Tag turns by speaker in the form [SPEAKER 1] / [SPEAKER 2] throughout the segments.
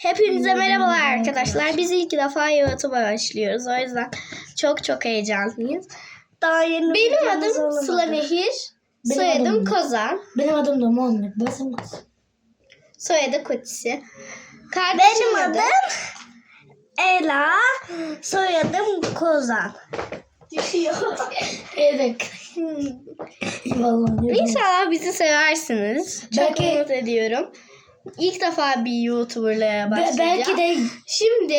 [SPEAKER 1] Hepinize merhabalar arkadaşlar. Biz ilk defa YouTube'a başlıyoruz. O yüzden çok heyecanlıyız. Benim adım Sıla Nehir. Soyadım Kozan.
[SPEAKER 2] Benim adım da Muhammed.
[SPEAKER 1] Soyadı Kutsi. Benim adım
[SPEAKER 3] Ela, soyadım Kozan.
[SPEAKER 1] düşüyor.
[SPEAKER 2] Evet. Vallahi.
[SPEAKER 1] İnşallah bizi seversiniz. Çok
[SPEAKER 2] Belki-
[SPEAKER 1] umut ediyorum. İlk defa bir YouTuber'la başlayacağım.
[SPEAKER 2] Belki de
[SPEAKER 1] Şimdi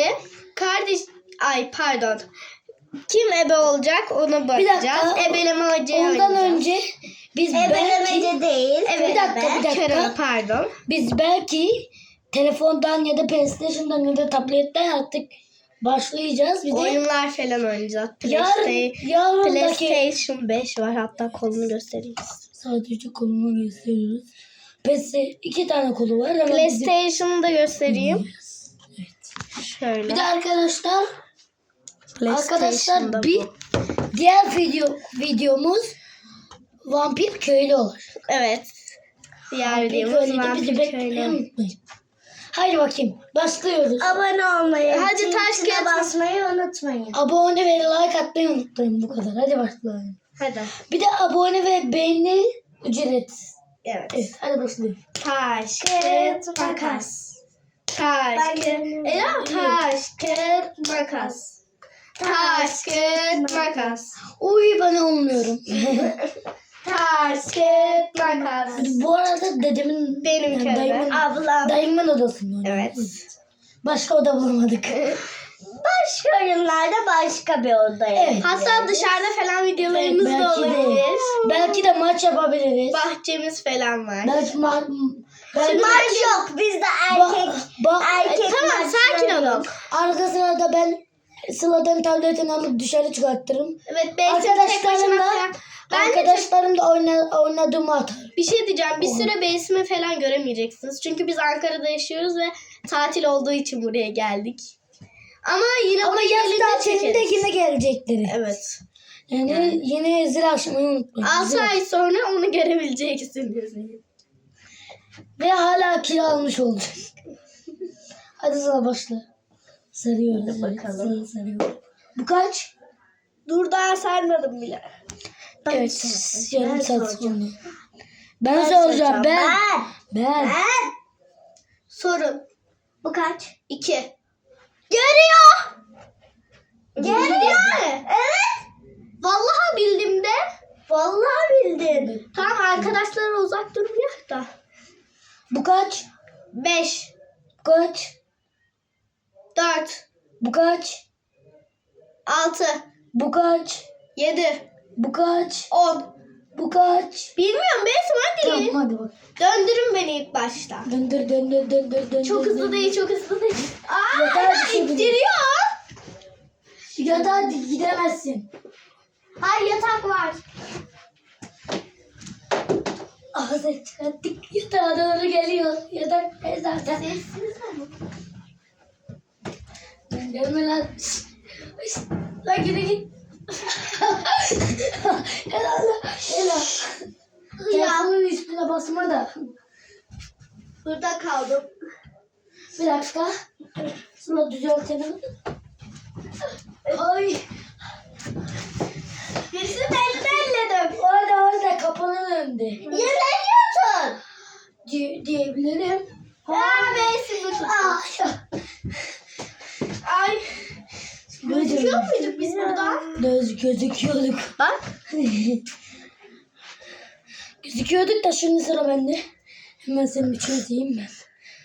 [SPEAKER 1] pardon. Kim ebe olacak ona bakacağız.
[SPEAKER 2] dakika.
[SPEAKER 1] Ebelemece
[SPEAKER 2] ondan
[SPEAKER 1] oynayacağız.
[SPEAKER 2] önce biz
[SPEAKER 3] Ebelemece değil.
[SPEAKER 1] Evet,
[SPEAKER 2] Bir dakika.
[SPEAKER 1] Kerem, pardon.
[SPEAKER 2] Biz belki telefondan ya da PlayStation'dan ya da tabletten artık başlayacağız. Bir de
[SPEAKER 1] Oyunlar falan oynayacağız.
[SPEAKER 2] yarındaki
[SPEAKER 1] PlayStation 5 var, hatta kolunu göstereyim.
[SPEAKER 2] sadece kolunu gösteriyoruz. PlayStation 2 tane kolu var. Ama
[SPEAKER 1] PlayStation'ı da göstereyim. Şöyle.
[SPEAKER 2] bir de arkadaşlar
[SPEAKER 1] PlayStation'da
[SPEAKER 2] bir
[SPEAKER 1] bu.
[SPEAKER 2] diğer videomuz Vampir Köylü olur.
[SPEAKER 1] Evet. Diğer
[SPEAKER 2] Vampir
[SPEAKER 1] videomuz
[SPEAKER 2] Köylü'de bizi
[SPEAKER 1] Vampir
[SPEAKER 2] beklemeyi
[SPEAKER 1] Köylü.
[SPEAKER 2] unutmayın. Haydi bakayım. Başlıyoruz.
[SPEAKER 3] Abone olmayı,
[SPEAKER 1] Hadi taş
[SPEAKER 3] tuşuna
[SPEAKER 1] kağıt-
[SPEAKER 3] basmayı unutmayın.
[SPEAKER 2] Abone ve like atmayı unutmayın, bu kadar. Hadi başlayalım.
[SPEAKER 1] Hadi.
[SPEAKER 2] Bir de abone ve beğeni ücretsiz.
[SPEAKER 1] Evet.
[SPEAKER 2] Evet, hadi başlayalım.
[SPEAKER 1] Taş,
[SPEAKER 3] Kağıt,
[SPEAKER 1] kağıt,
[SPEAKER 3] makas.
[SPEAKER 1] makas. Taş,
[SPEAKER 3] Ben
[SPEAKER 1] kağıt,
[SPEAKER 3] göremiyorum.
[SPEAKER 1] taş, kağıt, makas. Taş, kağıt, makas.
[SPEAKER 2] Uy, ben olmuyorum.
[SPEAKER 1] Taş, kağıt, makas.
[SPEAKER 2] Bu arada dedemin,
[SPEAKER 1] Benim
[SPEAKER 2] yani
[SPEAKER 1] köyde.
[SPEAKER 3] Ablam.
[SPEAKER 2] dayımın odasında oynuyorum.
[SPEAKER 1] Evet.
[SPEAKER 2] Başka oda bulamadık.
[SPEAKER 3] Başka oyunlarda başka bir odaya.
[SPEAKER 2] Evet.
[SPEAKER 1] Hatta dışarıda falan videolarımız da
[SPEAKER 2] belki de.
[SPEAKER 1] olabilir.
[SPEAKER 2] Belki de maç yapabiliriz.
[SPEAKER 1] Bahçemiz falan var.
[SPEAKER 2] Belki belki
[SPEAKER 3] Maç yok. Bizde erkek. Erkek
[SPEAKER 1] Tamam,
[SPEAKER 3] maçları
[SPEAKER 1] sakin
[SPEAKER 3] yok.
[SPEAKER 1] olun.
[SPEAKER 2] arka sırada ben Sıla'dan tabletini alıp dışarı çıkartırım.
[SPEAKER 1] Evet, ben tek başına
[SPEAKER 2] Arkadaşlarımla
[SPEAKER 1] falan. Ben de
[SPEAKER 2] Arkadaşlarımla oynadığımı atarım.
[SPEAKER 1] bir şey diyeceğim. Bir süre Beysimi falan göremeyeceksiniz. Çünkü biz Ankara'da yaşıyoruz ve tatil olduğu için buraya geldik. Ama yine
[SPEAKER 2] Ama
[SPEAKER 1] buraya
[SPEAKER 2] yaz
[SPEAKER 1] gelince
[SPEAKER 2] tatilinde
[SPEAKER 1] çekeriz.
[SPEAKER 2] yine gelecekleri.
[SPEAKER 1] Evet.
[SPEAKER 2] Yani yine zil açmayı unutmayın.
[SPEAKER 1] 6
[SPEAKER 2] Zil
[SPEAKER 1] ay sonra onu görebileceksiniz.
[SPEAKER 2] Ve hala kilo almış olacak. Hadi Sıla başla. Sarıyoruz.
[SPEAKER 3] bakalım.
[SPEAKER 2] Sarıyoruz. Bu kaç?
[SPEAKER 1] Dur, daha sarmadım bile.
[SPEAKER 2] Evet. Yarım
[SPEAKER 3] Ben
[SPEAKER 2] saat
[SPEAKER 3] soracağım.
[SPEAKER 2] sonra. Ben soracağım. Ben.
[SPEAKER 3] Ben.
[SPEAKER 1] Sorun.
[SPEAKER 3] Bu kaç?
[SPEAKER 1] 2.
[SPEAKER 3] Görüyor.
[SPEAKER 1] Görüyor.
[SPEAKER 3] Evet.
[SPEAKER 1] Vallahi bildim de.
[SPEAKER 3] Vallahi bildin.
[SPEAKER 1] Tamam, arkadaşlara uzak durmuyor da.
[SPEAKER 2] Bu kaç?
[SPEAKER 1] 5,
[SPEAKER 2] Bu kaç?
[SPEAKER 1] 4,
[SPEAKER 2] Bu kaç?
[SPEAKER 1] 6,
[SPEAKER 2] Bu kaç?
[SPEAKER 1] 7,
[SPEAKER 2] Bu kaç?
[SPEAKER 1] 10.
[SPEAKER 2] Bu kaç?
[SPEAKER 1] Bilmiyorum, Beysim hadi.
[SPEAKER 2] Tamam hadi bak.
[SPEAKER 1] Döndürün beni ilk başta.
[SPEAKER 2] Döndür.
[SPEAKER 1] Çok hızlı değil, çok hızlı değil.
[SPEAKER 2] Yeter, bir şey
[SPEAKER 1] İttiriyor.
[SPEAKER 2] Ya da hadi gidemezsin.
[SPEAKER 1] Hayır, yatak var.
[SPEAKER 2] Ağzı çıkarttık. Yatağa doğru geliyor. Yatak zaten.
[SPEAKER 1] Sessiz ama.
[SPEAKER 2] Gelme lan. Şşt. Lan git. Helal. Telefonun üstüne basma da.
[SPEAKER 1] Burada kaldım.
[SPEAKER 2] Bir dakika. Sıla düzeltelim. Ay.
[SPEAKER 1] Birisinin elini elledim.
[SPEAKER 2] Orada kapının önünde.
[SPEAKER 1] Yerleniyorsun.
[SPEAKER 2] Diyebilirim.
[SPEAKER 1] Beysim tut.
[SPEAKER 2] Ah.
[SPEAKER 1] Ay. Gözüküyor muyduk biz burada?
[SPEAKER 2] Gözüküyorduk.
[SPEAKER 1] Bak.
[SPEAKER 2] Gözüküyorduk da şimdi sıra bende. Hemen senin için atayım ben.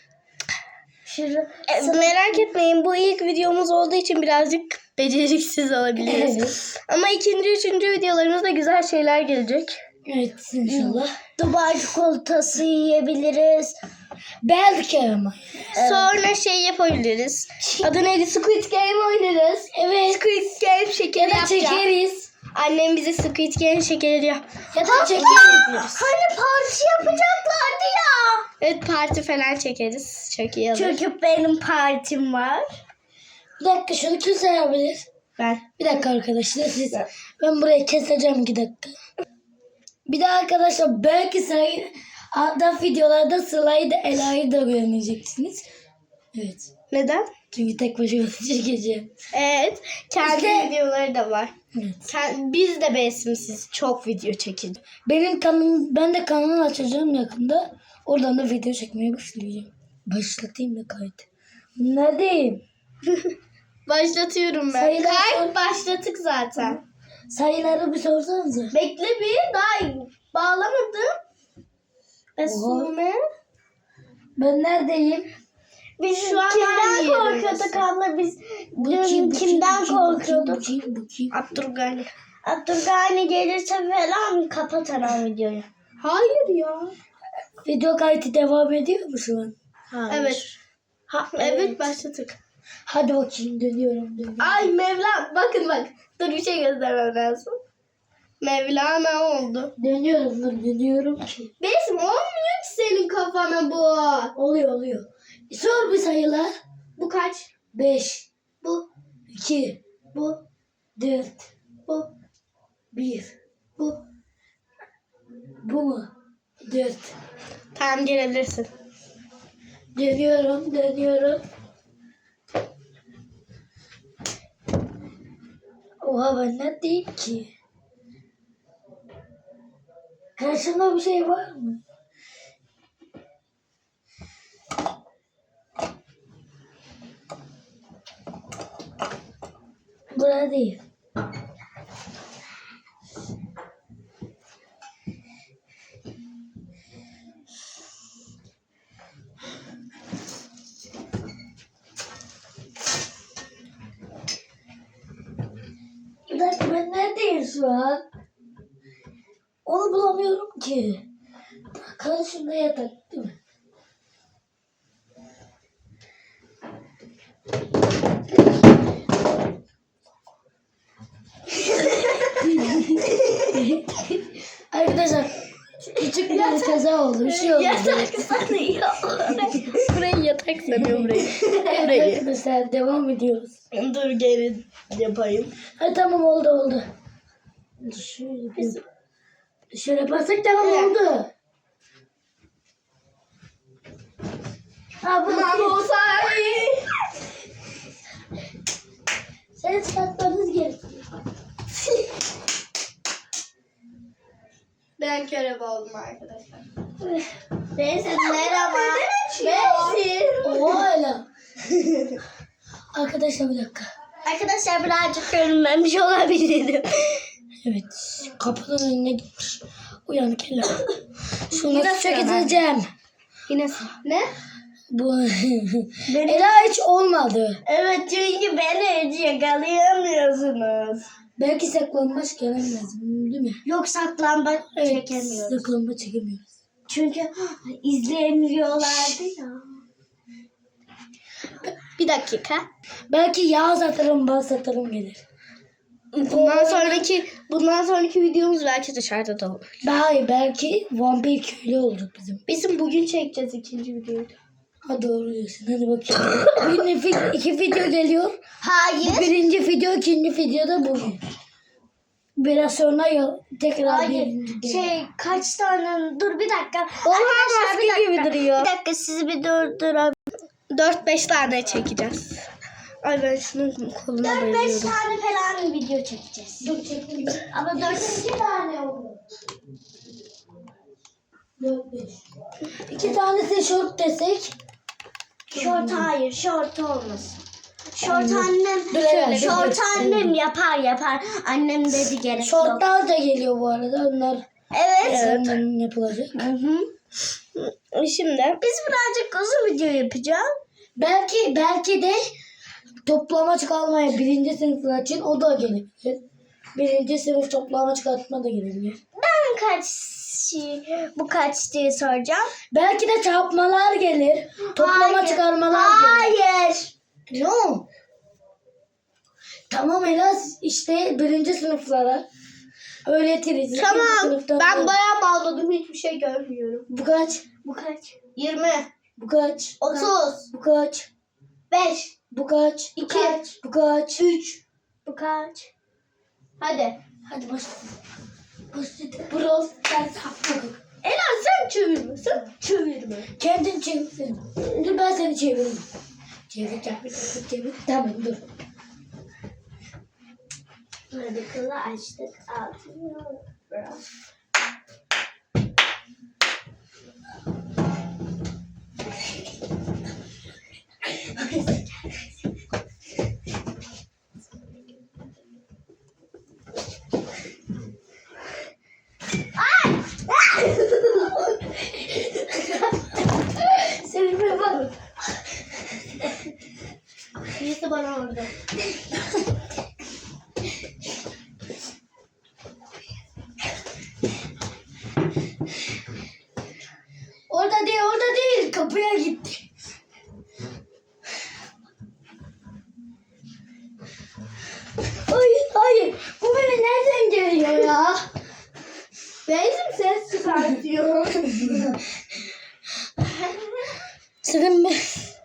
[SPEAKER 1] Merak etmeyin, bu ilk videomuz olduğu için birazcık beceriksiz olabiliriz.
[SPEAKER 2] Evet.
[SPEAKER 1] Ama ikinci, üçüncü videolarımızda güzel şeyler gelecek.
[SPEAKER 2] Evet inşallah.
[SPEAKER 3] Dubai çikolatası yiyebiliriz.
[SPEAKER 2] Belki ama.
[SPEAKER 1] Sonra şey yapabiliriz. Adı neydi? Squid Game oynarız.
[SPEAKER 2] Evet.
[SPEAKER 1] Squid Game şekeri
[SPEAKER 2] Ya da
[SPEAKER 1] yapacağız.
[SPEAKER 2] çekeriz.
[SPEAKER 1] Annem bize Squid Game şekeri diyor.
[SPEAKER 2] Ya da çekeriz.
[SPEAKER 3] Hani parti yapacaklardı ya.
[SPEAKER 1] Evet, parti falan çekeriz. Çok iyi olur.
[SPEAKER 3] Çünkü benim partim var.
[SPEAKER 2] Bir dakika şunu kim sayabilir?
[SPEAKER 1] Ben.
[SPEAKER 2] Bir dakika arkadaşlar siz. Ben burayı keseceğim 2 dakika. Bir de arkadaşlar belki da videolarda Sıla'yı da Ela'yı da görmeyeceksiniz. Evet.
[SPEAKER 1] Neden?
[SPEAKER 2] Çünkü tek başıma çekeceğim.
[SPEAKER 1] Evet. Kendi
[SPEAKER 2] İşte-
[SPEAKER 1] videoları da var.
[SPEAKER 2] Evet.
[SPEAKER 1] Biz de Besimsiz çok video çekeceğiz.
[SPEAKER 2] Ben de kanal açacağım yakında. Oradan da video çekmeye başlayacağım. Başlatayım da kayıt. Neredeyim?
[SPEAKER 1] Başlatıyorum ben.
[SPEAKER 2] Sayılar
[SPEAKER 1] Kayıt başlattık zaten.
[SPEAKER 2] Sayıları bir sorsanıza.
[SPEAKER 1] Bekle bir daha bağlamadım. Esume.
[SPEAKER 2] Ben neredeyim?
[SPEAKER 3] Biz
[SPEAKER 1] Şu an
[SPEAKER 3] kimden
[SPEAKER 1] hangi
[SPEAKER 3] korkuyorduk
[SPEAKER 1] yerindesin?
[SPEAKER 3] abla? Biz dün kimden korkuyorduk?
[SPEAKER 2] Bu kim?
[SPEAKER 1] Abdurgani.
[SPEAKER 3] Abdurgani gelirse falan kapat hemen videoyu.
[SPEAKER 1] Hayır ya.
[SPEAKER 2] Video kaydı devam ediyor mu şu an?
[SPEAKER 1] Evet. Evet başladık.
[SPEAKER 2] Hadi bakayım dönüyorum.
[SPEAKER 1] Ay Mevlana. Bakın bak. Dur bir şey göstermem lazım. Mevlana oldu.
[SPEAKER 2] Dönüyorum ki.
[SPEAKER 1] Besim olmuyor ki senin kafana bu.
[SPEAKER 2] Oluyor. Sor bir sayılar.
[SPEAKER 1] Bu kaç?
[SPEAKER 2] 5,
[SPEAKER 1] Bu.
[SPEAKER 2] 2,
[SPEAKER 1] Bu.
[SPEAKER 2] 4,
[SPEAKER 1] Bu.
[SPEAKER 2] 1.
[SPEAKER 1] Bu.
[SPEAKER 2] Bu mu? 4.
[SPEAKER 1] Tamam gelebilirsin.
[SPEAKER 2] Dönüyorum. Oha ben neredeyim ki? Karşımda bir şey var mı? Burada değil. Bir dakika ben neredeyim şu an? Onu bulamıyorum ki. Karşımda yatak değil mi? Arkadaşlar küçük bir kaza oldu. Bir şey oldu.
[SPEAKER 1] Yatak sanıyor. Burayı yatak sanıyor burayı. Burayı.
[SPEAKER 2] Arkadaşlar devam ediyoruz.
[SPEAKER 1] Dur geri yapayım.
[SPEAKER 2] Ha tamam oldu. Şöyle yaparsak tamam oldu. Ha bu sen çıkartmanız gerekiyor.
[SPEAKER 1] Ben körebe oldum arkadaşlar.
[SPEAKER 3] Besim merhaba.
[SPEAKER 1] Besim.
[SPEAKER 2] Oha öyle. Arkadaşlar bir dakika.
[SPEAKER 3] Arkadaşlar birazcık görünmemiş olabilirim.
[SPEAKER 2] Evet kapının önüne gitmiş. Uyanık hele. Şunu
[SPEAKER 1] Bir dakika
[SPEAKER 2] çekeceğim.
[SPEAKER 1] Yine ne?
[SPEAKER 2] Bu Ela hiç olmadı.
[SPEAKER 3] Evet çünkü beni hiç yakalayamıyorsunuz.
[SPEAKER 2] Belki saklanmaç gelemez değil mi?
[SPEAKER 3] Yok saklambaç
[SPEAKER 2] Evet,
[SPEAKER 3] çekemiyoruz.
[SPEAKER 2] saklanmaç çekemiyoruz.
[SPEAKER 3] Çünkü izleyemiyorlardı ya.
[SPEAKER 1] Bir dakika.
[SPEAKER 2] Belki yağ satarım, bal satarım gelir.
[SPEAKER 1] Bundan sonraki videomuz belki dışarıda da olur.
[SPEAKER 2] Daha iyi belki vampir köylü olduk bizim.
[SPEAKER 1] Bizim bugün çekeceğiz ikinci videoyu.
[SPEAKER 2] Ha doğru diyorsun. Hadi bakayım. Bugün iki video geliyor.
[SPEAKER 3] Hayır.
[SPEAKER 2] Birinci video, ikinci video da bugün. Biraz sonra tekrar
[SPEAKER 3] Hayır.
[SPEAKER 2] birinci.
[SPEAKER 3] Kaç tane? Dur bir dakika.
[SPEAKER 1] Oha
[SPEAKER 3] Arkadaşlar,
[SPEAKER 1] maske
[SPEAKER 3] bir
[SPEAKER 1] gibi
[SPEAKER 3] dakika.
[SPEAKER 1] duruyor.
[SPEAKER 3] Bir dakika sizi bir durdurabilirim.
[SPEAKER 1] 4-5 tane çekeceğiz. Ay ben şunun koluna
[SPEAKER 3] 4-5
[SPEAKER 1] bayılıyorum.
[SPEAKER 3] tane falan video çekeceğiz.
[SPEAKER 2] Dur çekeyim.
[SPEAKER 3] Ama 4-2 tane oldu.
[SPEAKER 2] 4-5. İki tanesi short desek.
[SPEAKER 3] Short hayır. Short olmasın. Short annem.
[SPEAKER 2] Dur, evet,
[SPEAKER 3] Short
[SPEAKER 2] evet.
[SPEAKER 3] annem yapar. Annem dedi gerek yok.
[SPEAKER 2] Shortlar da geliyor bu arada. Onlar
[SPEAKER 3] Evet.
[SPEAKER 2] senden yapılacak.
[SPEAKER 1] Şimdi
[SPEAKER 3] Biz birazcık uzun video yapacağız.
[SPEAKER 2] Belki de toplama çıkarmaya birinci sınıflar için o da gelebilir. Birinci sınıf toplama çıkartma da gelebilir.
[SPEAKER 3] Ben bu kaç diye soracağım.
[SPEAKER 2] Belki de çarpmalar gelir. Toplama
[SPEAKER 3] Hayır.
[SPEAKER 2] çıkarmalar gelir.
[SPEAKER 3] Hayır.
[SPEAKER 2] No. Tamam Ela işte birinci sınıflara öğretiriz. İkinci
[SPEAKER 1] tamam.
[SPEAKER 2] sınıfta
[SPEAKER 1] Ben
[SPEAKER 2] da-
[SPEAKER 1] bayağı bağladım. Hiçbir şey görmüyorum.
[SPEAKER 2] Bu kaç?
[SPEAKER 3] Bu kaç?
[SPEAKER 1] 20,
[SPEAKER 2] Bu kaç?
[SPEAKER 1] 30,
[SPEAKER 2] Bu kaç?
[SPEAKER 1] 5,
[SPEAKER 2] Bu kaç?
[SPEAKER 1] 2,
[SPEAKER 2] Bu kaç?
[SPEAKER 1] 3.
[SPEAKER 3] Bu kaç?
[SPEAKER 1] Hadi.
[SPEAKER 2] Hadi başlayalım. Başlayalım. Burası ders hakkı.
[SPEAKER 1] Ela sen çevirme. Sen çevirme.
[SPEAKER 2] Kendin çevirsin. Dur ben seni çeviririm. Çevir. Tamam dur.
[SPEAKER 3] Radikalı açtık. Altını biraz.
[SPEAKER 2] Sevime bak.
[SPEAKER 1] Birisi bana vurdu.
[SPEAKER 2] Orada değil. Kapıya gitti. Hayır. Bu beni nereden geliyor ya?
[SPEAKER 1] Benzin ses çıkartıyor.
[SPEAKER 2] Sıkın mı?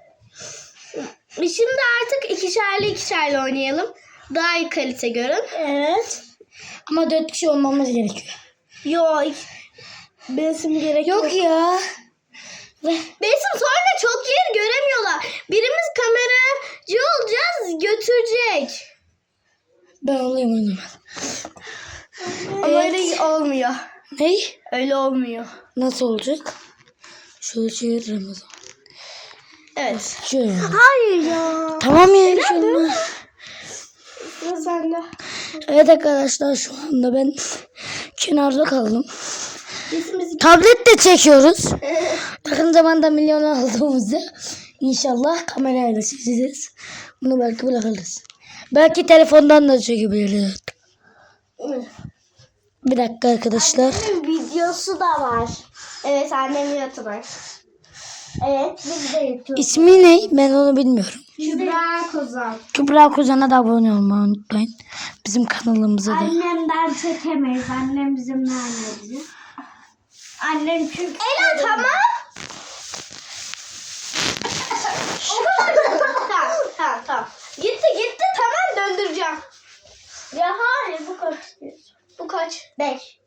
[SPEAKER 1] Şimdi artık ikişerli oynayalım. Daha iyi kalite görün.
[SPEAKER 2] Evet. Ama 4 kişi olmamız gerekiyor.
[SPEAKER 1] Yok. Besim gerek yok.
[SPEAKER 2] Yok ya.
[SPEAKER 1] Besim sonra çok yer göremiyorlar. Birimiz kameracı olacağız, götürecek.
[SPEAKER 2] Ben olayım o zaman.
[SPEAKER 1] Ama öyle olmuyor.
[SPEAKER 2] Ney?
[SPEAKER 1] Öyle olmuyor.
[SPEAKER 2] Nasıl olacak? Şöyle çeviririm o zaman.
[SPEAKER 1] Evet.
[SPEAKER 2] Şöyle.
[SPEAKER 1] Hayır ya.
[SPEAKER 2] Tamam ya bir şey olmaz.
[SPEAKER 1] Sıra sende.
[SPEAKER 2] Evet arkadaşlar şu anda ben kenarda kaldım.
[SPEAKER 1] Besimizi
[SPEAKER 2] Tabletle çekiyoruz. Yakın zamanda milyon aldığımızda inşallah kamerayla çekeceğiz. Bunu belki bırakırız. Belki telefondan da çekebiliriz. Bir dakika arkadaşlar.
[SPEAKER 3] Videosu da var.
[SPEAKER 1] Evet, annem YouTuber.
[SPEAKER 3] Evet biz de YouTube.
[SPEAKER 2] İsmi ne? Ben onu bilmiyorum.
[SPEAKER 1] Kübra Kozan.
[SPEAKER 2] Kübra Kuzen'e de abone olmayı unutmayın. Bizim kanalımıza da.
[SPEAKER 3] Annemden çekemeyiz. Annem bizimle annemizi. Annem çünkü...
[SPEAKER 1] Ela tamam. Tamam. Gitti tamam, döndüreceğim.
[SPEAKER 3] Ya hayır bu kaç istiyorsun?
[SPEAKER 1] Bu kaç?
[SPEAKER 3] 5.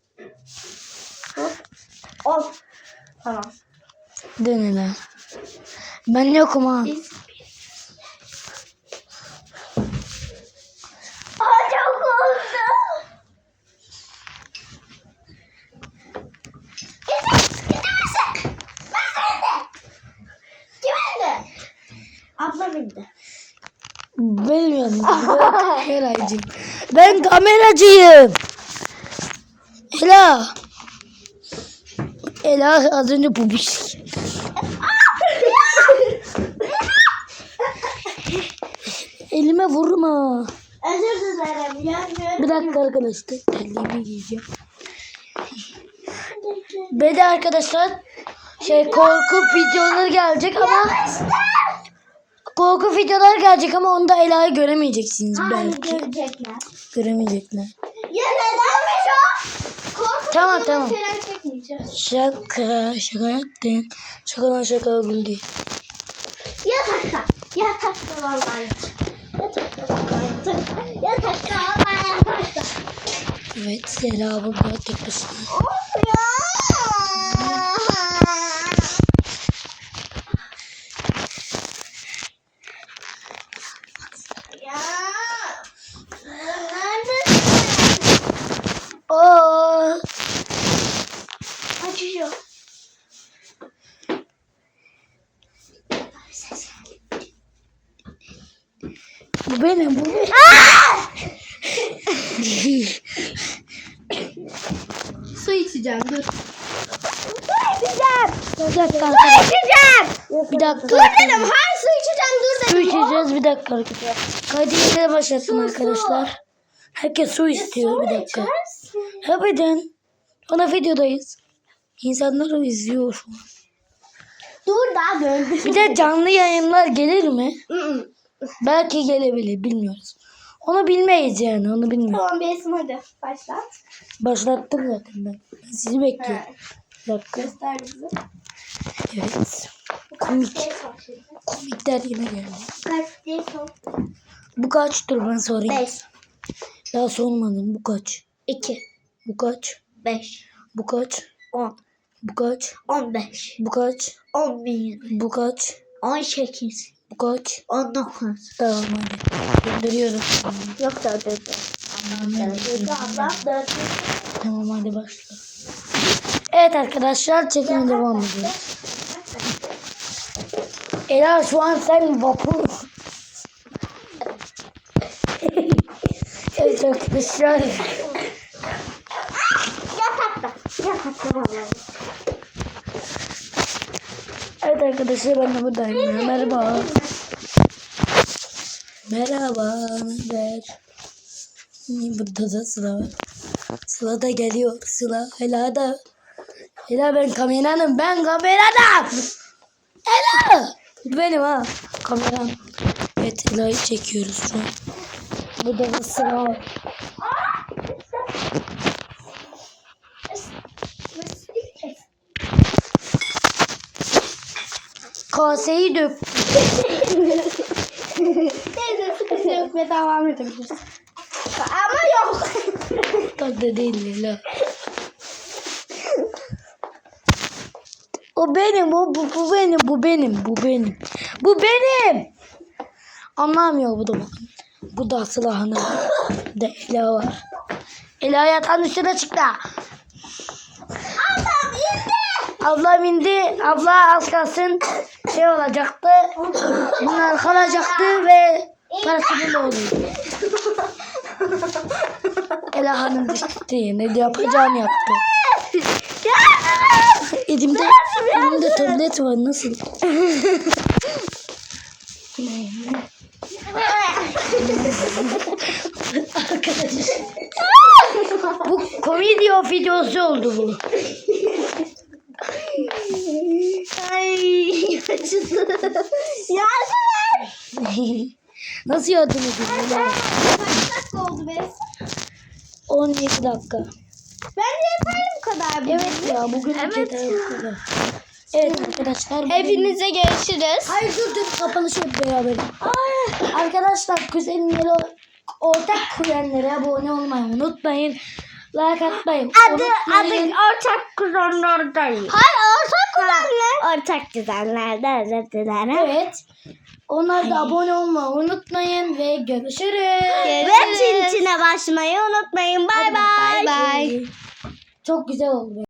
[SPEAKER 1] 10. Tamam.
[SPEAKER 2] Dön hele. Ben yokum ha.
[SPEAKER 3] Aa çok oldu. Abla bindi.
[SPEAKER 2] Bilmiyorum. Kameracıyım. Ben kameracıyım. Ela. Ela az önce bu bir şey. Elime vurma.
[SPEAKER 3] Özür dilerim ya.
[SPEAKER 2] Bir dakika arkadaşlar. Terliğimi giyeceğim. Ve de arkadaşlar korku videoları gelecek ama korku videolar gelecek ama onda Ela'yı göremeyeceksiniz
[SPEAKER 3] Hayır
[SPEAKER 2] belki.
[SPEAKER 3] görecekler.
[SPEAKER 2] Göremeyecekler.
[SPEAKER 3] Ya nedenmiş o?
[SPEAKER 2] Tamam.
[SPEAKER 1] Falan çekmeyeceğiz.
[SPEAKER 2] Şaka yaptım. Şakadan şaka güldü.
[SPEAKER 3] Yatakta. Yatakta vallahi. Yatakta vallahi. Yatakta vallahi yatakta.
[SPEAKER 2] Evet Ela bu biraz tek başına.
[SPEAKER 3] Of ya. Ya. Neredesin?
[SPEAKER 2] Oo.
[SPEAKER 3] Açıyor.
[SPEAKER 2] Bu benim.
[SPEAKER 1] Su içeceğim, dur.
[SPEAKER 2] Bir dakika arkadaşlar. Bir dakika.
[SPEAKER 1] Dedim, hayır su içeceğim, dur
[SPEAKER 2] Su
[SPEAKER 1] dedim.
[SPEAKER 2] içeceğiz bir dakika arkadaşlar. Kaydı yine başlattım arkadaşlar. Herkes su istiyor bir dakika. Harbiden. Ona videodayız. İnsanlar izliyor şu an.
[SPEAKER 3] Dur daha döndü.
[SPEAKER 2] Bir de canlı yayınlar gelir mi? Belki gelebilir bilmiyoruz. Onu bilmeyiz yani onu bilmiyoruz.
[SPEAKER 1] Tamam Besim, hadi başlat.
[SPEAKER 2] Başlattım zaten ben. Ben sizi bekliyorum. Bir dakika.
[SPEAKER 1] Göster bizi.
[SPEAKER 2] Evet. Komik. Komikler yine geldi.
[SPEAKER 3] Kaç değil son.
[SPEAKER 2] Bu kaç? Dur ben sorayım.
[SPEAKER 3] 5.
[SPEAKER 2] Daha sormadım. Bu kaç?
[SPEAKER 3] 2.
[SPEAKER 2] Bu kaç?
[SPEAKER 3] 5.
[SPEAKER 2] Bu kaç?
[SPEAKER 3] 10.
[SPEAKER 2] Bu kaç?
[SPEAKER 3] 15.
[SPEAKER 2] Bu kaç?
[SPEAKER 3] 11.
[SPEAKER 2] Bu kaç?
[SPEAKER 3] 18.
[SPEAKER 2] Bu kaç?
[SPEAKER 3] 19.
[SPEAKER 2] Tamam hadi. Gönderiyorum.
[SPEAKER 3] Yok da dedi. Ablam 4.
[SPEAKER 2] Tamam hadi başla. Evet arkadaşlar çekime devam ediyoruz. Ela şu an sen vapur. Evet arkadaşlar.
[SPEAKER 3] Yatakta. Yatakta vallahi.
[SPEAKER 2] Evet arkadaşlar ben de buradayım. Merhaba. Merhaba. Naber? Burada da Sıla var. Sıla da geliyor. Sıla. Ela da. Ela ben kameranım. Ben kameranım. Ela. Benim ha. Kameram. Evet Ela'yı çekiyoruz şu an. Burada da Sıla var. Kaseyi dök.
[SPEAKER 1] Neyse sıkıntı yok ve devam edebiliriz. Ama yok.
[SPEAKER 2] Tadı değil Ela. O benim, bu benim, bu benim, bu benim. Bu benim. Anlamıyor bu da bakın. Bu da Sıla Hanım. Bir de Ela var. Ela yatağın üstüne çıktı. Ablam indi. Abla az kalsın şey olacaktı. Bunlar kalacaktı ve parasını da oluyor. Ela Hanım düştü. Ne yapacağını yaptı. Elimde tablet var nasıl? Arkadaşlar. Bu komedyo videosu oldu bu.
[SPEAKER 3] Ay acıdı. Yardım.
[SPEAKER 2] Nasıl yardım edeyim?
[SPEAKER 1] Kaç dakika oldu be?
[SPEAKER 2] 17 dakika.
[SPEAKER 1] Bence yeterli bu kadar.
[SPEAKER 2] Evet ya bugün yeter bu kadar. Evet arkadaşlar. bugün-
[SPEAKER 1] Hepinize görüşürüz.
[SPEAKER 2] Hayır dur kapanışı hep beraber. Arkadaşlar kuzenleri ortak kuzenlere abone olmayı unutmayın. Like atmayın. unutmayın.
[SPEAKER 3] ortak kuzenlerdeyim.
[SPEAKER 1] Hayır ortak kuzenler.
[SPEAKER 3] Ortak kuzenlerde özür dilerim.
[SPEAKER 2] Evet. Onlar da abone olmayı unutmayın ve görüşürüz.
[SPEAKER 3] Ve çintine basmayı unutmayın. Bay bay.
[SPEAKER 1] Bye bye.
[SPEAKER 2] Çok güzel oldu.